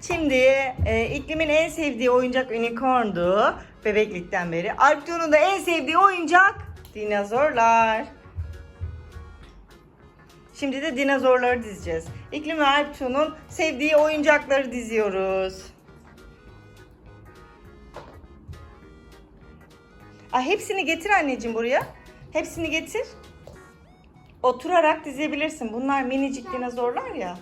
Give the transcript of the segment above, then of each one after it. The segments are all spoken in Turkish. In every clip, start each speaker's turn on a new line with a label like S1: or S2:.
S1: Şimdi iklimin en sevdiği oyuncak unicorn'du bebeklikten beri. Alptuğ'un da en sevdiği oyuncak dinozorlar. Şimdi de dinozorları dizeceğiz. İklim ve Alptuğ'un sevdiği oyuncakları diziyoruz. Hepsini getir anneciğim buraya. Hepsini getir. Oturarak dizebilirsin. Bunlar minicik dinozorlar ya.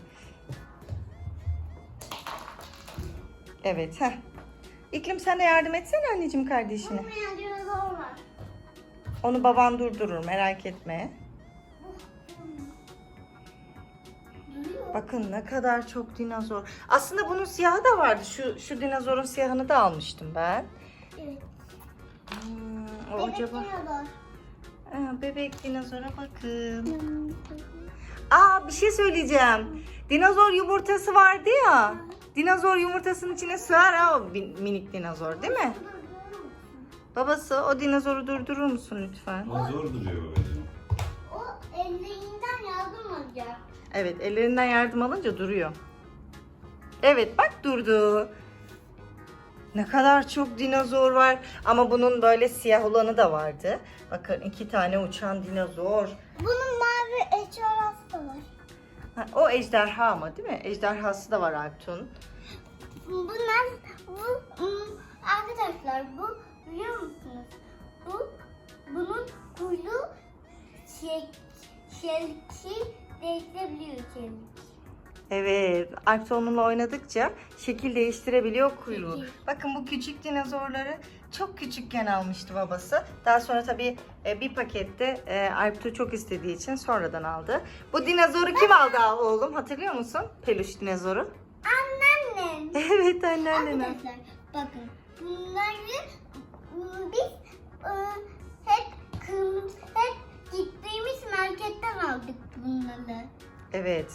S1: Evet. Heh. İklim sen de yardım etsene anneciğim kardeşine.
S2: Olmayan dinozor var.
S1: Onu baban durdurur, merak etme. Bakın ne kadar çok dinozor. Aslında bunun siyahı da vardı. Şu dinozorun siyahını da almıştım ben.
S2: Evet.
S1: O
S2: Bebek
S1: acaba...
S2: dinozor.
S1: Bebek dinozora bakın. Bir şey söyleyeceğim. Dinozor yumurtası vardı ya. Dinozor yumurtasının içine sığar ha o minik dinozor değil mi? Babası o dinozoru durdurur musun lütfen?
S3: O zor duruyor babacığım.
S2: O ellerinden yardım alacak.
S1: Evet, ellerinden yardım alınca duruyor. Evet, bak durdu. Ne kadar çok dinozor var. Ama bunun böyle siyah olanı da vardı. Bakın 2 tane uçan dinozor.
S2: Bunun mavi eşarası da var.
S1: O ejderha ama değil mi? Ejderhası da var Alptuğ'un.
S2: Arkadaşlar bu biliyor musunuz? Bunun kuyruğu şekil değiştirebiliyor çelik.
S1: Evet, Alptuğ onunla oynadıkça şekil değiştirebiliyor kuyruğu.
S2: Şekil.
S1: Bakın bu küçük dinozorları çok küçükken almıştı babası. Daha sonra tabii bir pakette Alptuğ çok istediği için sonradan aldı. Bu dinozoru kim aldı oğlum? Hatırlıyor musun? Peluş dinozoru.
S2: Anneannem.
S1: Evet anneannem.
S2: Arkadaşlar bakın bunları biz hep gittiğimiz marketten aldık bunları.
S1: Evet.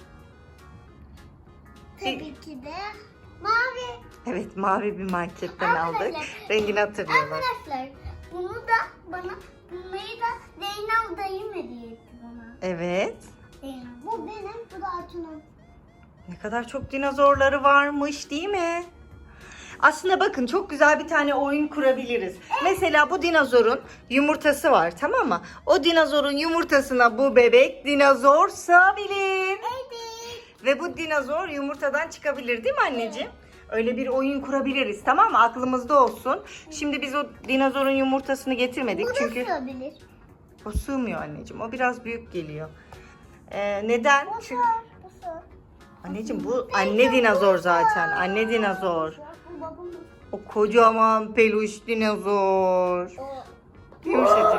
S2: Tabii ki de mavi.
S1: Evet, mavi bir marketten aldık.
S2: Arkadaşlar,
S1: Rengini hatırlıyorlar.
S2: Arkadaşlar bunları da Zeynep dayım hediye etti bana.
S1: Evet.
S2: Zeynep. Bu benim, bu da Atun'un.
S1: Ne kadar çok dinozorları varmış değil mi? Aslında bakın çok güzel bir tane oyun kurabiliriz. Mesela bu dinozorun yumurtası var, tamam mı? O dinozorun yumurtasına bu bebek dinozor sığabilir.
S2: Evet.
S1: Ve bu dinozor yumurtadan çıkabilir değil mi anneciğim? Öyle bir oyun kurabiliriz, tamam mı? Aklımızda olsun. Şimdi biz o dinozorun yumurtasını getirmedik
S2: Bu da
S1: çünkü
S2: sığabilir.
S1: o sığmıyor anneciğim. O biraz büyük geliyor. Neden?
S2: Bu
S1: Çünkü
S2: bu sığ.
S1: anneciğim bu anne dinozor zaten. Anne dinozor.
S2: Bu babam.
S1: O kocaman peluş dinozor. Yumuşacık.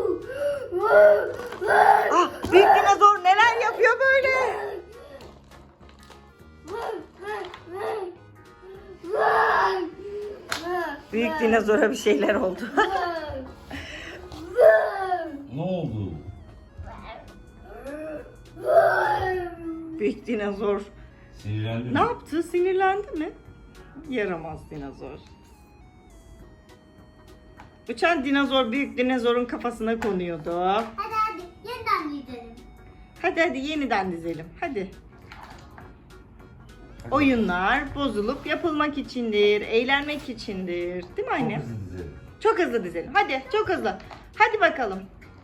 S1: Büyük dinozor neler yapıyor böyle? Büyük dinozora bir şeyler oldu.
S3: Ne oldu?
S1: Büyük dinozor
S3: Sinirlendi mi?
S1: ne yaptı? Sinirlendi mi? Yaramaz dinozor. Uçan dinozor büyük dinozorun kafasına konuyordu.
S2: Hadi yeniden gidelim.
S1: Hadi yeniden dizelim. Hadi. Oyunlar bozulup yapılmak içindir, eğlenmek içindir. Değil mi anne?
S3: Çok hızlı dizelim.
S1: Çok hızlı dizelim. Hadi, çok hızlı. Hadi bakalım.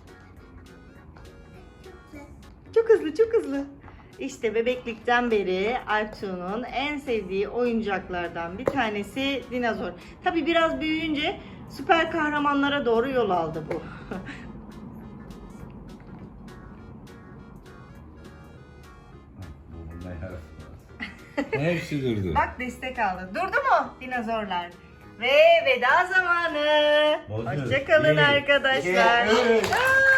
S1: Çok hızlı, çok hızlı. İşte bebeklikten beri Alptuğ'un en sevdiği oyuncaklardan bir tanesi dinozor. Tabii biraz büyüyünce süper kahramanlara doğru yol aldı bu.
S3: Bununla yarası. Hepsi durdu.
S1: Bak destek aldı. Durdu mu dinozorlar? Ve veda zamanı.
S3: Bozuyoruz.
S1: Hoşçakalın
S3: Bir,
S1: arkadaşlar.
S3: iki, üç.
S1: Aa!